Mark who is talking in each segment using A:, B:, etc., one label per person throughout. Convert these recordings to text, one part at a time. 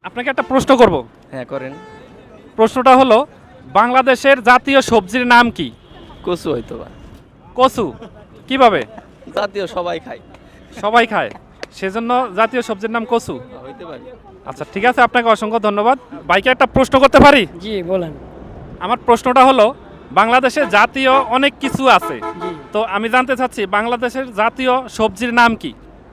A: আপনাকে একটা প্রশ্ন করব।
B: হ্যাঁ করেন।
A: প্রশ্নটা হলো বাংলাদেশের জাতীয় সবজির নাম কি?
B: কচু হয়তো বা।
A: কচু। কিভাবে?
B: জাতীয় সবাই খায়।
A: সবাই খায়, সেজন্য জাতীয় সবজির নাম কচু।
B: হইতে পারে।
A: আচ্ছা ঠিক আছে, আপনাকে অসংখ্য ধন্যবাদ। ভাইকে একটা প্রশ্ন করতে পারি?
C: জি বলেন।
A: আমার প্রশ্নটা হলো বাংলাদেশে জাতীয় অনেক কিছু আছে,
C: জি
A: তো আমি জানতে চাচ্ছি বাংলাদেশের জাতীয় সবজির নাম কি?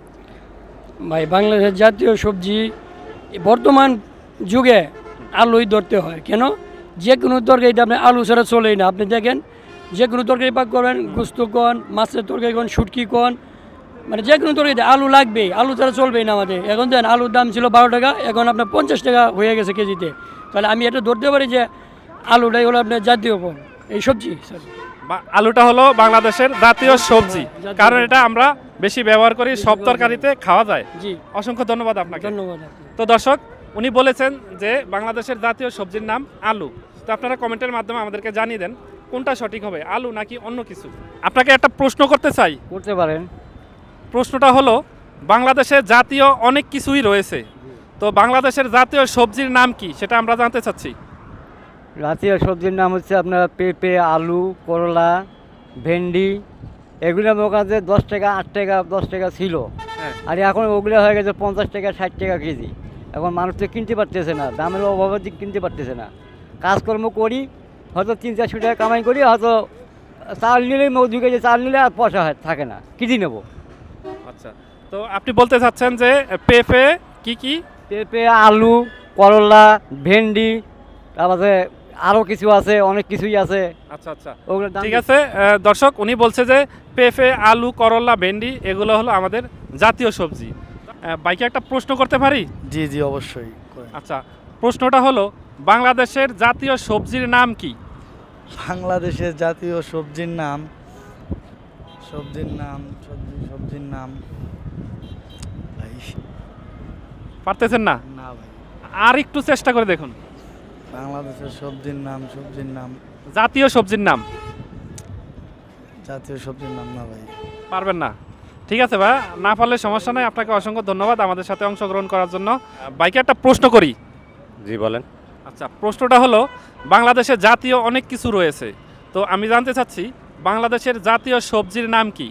C: ভাই, বাংলাদেশের জাতীয় সবজি বর্তমান যুগে আলুই ধরতে হয়। কেন? যে কোনো তরকারিতে আপনি আলু ছাড়া চলেই না। আপনি দেখেন যে কোনো তরকারি পাক করেন, গুস্ত কন, মাছের তরকারি কন, শুটকি কন, মানে যে কোনো তরকারিতে আলু লাগবেই, আলু ছাড়া চলবেই না আমাদের। এখন দেন আলুর দাম ছিল 12 টাকা, এখন আপনার 50 টাকা হয়ে গেছে কেজিতে। তাহলে আমি এটা ধরতে পারি যে আলুটাই হলো আপনার জাতীয় ফল, এই সবজি সরি।
A: আলুটা হলো বাংলাদেশের জাতীয় সবজি,
C: জাতীয়
A: কারণ
C: সবজি।
A: এটা আমরা বেশি ব্যবহার করি, সব তরকারিতে খাওয়া যায়।
C: জি
A: অসংখ্য ধন্যবাদ আপনাকে।
C: ধন্যবাদ আপনাকে।
A: তো দর্শক, উনি বলেছেন যে বাংলাদেশের জাতীয় সবজির নাম আলু। তো আপনারা কমেন্টের মাধ্যমে আমাদেরকে জানিয়ে দেন কোনটা সঠিক হবে, আলু নাকি অন্য কিছু। আপনাকে একটা প্রশ্ন করতে চাই।
C: করতে পারেন।
A: প্রশ্নটা হলো বাংলাদেশের জাতীয় অনেক কিছুই রয়েছে, তো বাংলাদেশের জাতীয় সবজির নাম কি সেটা আমরা জানতে চাচ্ছি।
D: জাতীয় সবজির নাম হচ্ছে আপনার পেঁপে, আলু, করলা, ভেন্ডি। এগুলো আমার কাছে 10 টাকা, 8 টাকা, 10 টাকা ছিল।
A: হ্যাঁ।
D: আর এখন ওগুলো হয়ে গেছে 50 টাকা, 60 টাকা কেজি। এখন মানুষ তো কিনতে পারতেছে না, দামের অভাবে কিনতে পারতেছে না। কাজকর্ম করি, হয়তো 300-400 টাকা কামাই করি, হয়তো চাল নিলেই 2 কেজি চাল নিলে আর পয়সা থাকে না, কিনে নেবো।
A: আচ্ছা, তো আপনি বলতে চাচ্ছেন যে পেঁপে কি কি?
D: পেঁপে, আলু, করলা, ভেন্ডি, তারপরে আরও কিছু আছে, অনেক কিছুই আছে।
A: আচ্ছা আচ্ছা,
D: ওগুলোর দাম
A: ঠিক আছে। দর্শক, উনি বলছে যে পেঁপে, আলু, করলা, ভেন্ডি এগুলো হলো আমাদের জাতীয় সবজি। বাইকে একটা প্রশ্ন করতে পারি?
E: জি জি অবশ্যই করেন।
A: আচ্ছা, প্রশ্নটা হলো বাংলাদেশের জাতীয় সবজির নাম কি?
E: বাংলাদেশের জাতীয় সবজির নাম সবজির নাম ভাই,
A: পারতেছেন না?
E: না ভাই,
A: আর একটু চেষ্টা করে দেখুন।
E: বাংলাদেশের সবজির নাম
A: জাতীয় সবজির নাম
E: জাতীয় সবজির নাম না ভাই।
A: পারবেন না? ঠিক আছে ভাই, না পারলে সমস্যা নাই। আপনাকে অসংখ্য ধন্যবাদ আমাদের সাথে অংশগ্রহণ করার জন্য। বাইকে একটা প্রশ্ন করি?
F: জি বলেন।
A: আচ্ছা, প্রশ্নটা হলো বাংলাদেশে জাতীয় অনেক কিছু রয়েছে, তো আমি জানতে চাচ্ছি বাংলাদেশের জাতীয় সবজির নাম কি?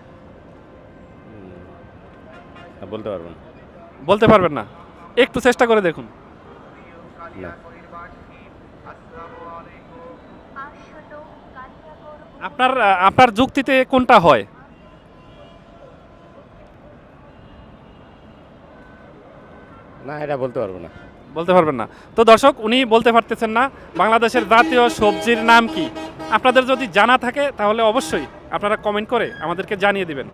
F: বলতে পারবো না।
A: বলতে পারবেন না? একটু চেষ্টা করে দেখুন।
F: না।
A: আপনার আপনার যুক্তিতে কোনটা হয়?
F: না, এটা বলতে পারবো না।
A: বলতে পারবেন না? তো দর্শক, উনি বলতে পারতেছেন না বাংলাদেশের জাতীয় সবজির নাম কি। আপনাদের যদি জানা থাকে তাহলে অবশ্যই আপনারা কমেন্ট করে আমাদেরকে জানিয়ে দিবেন।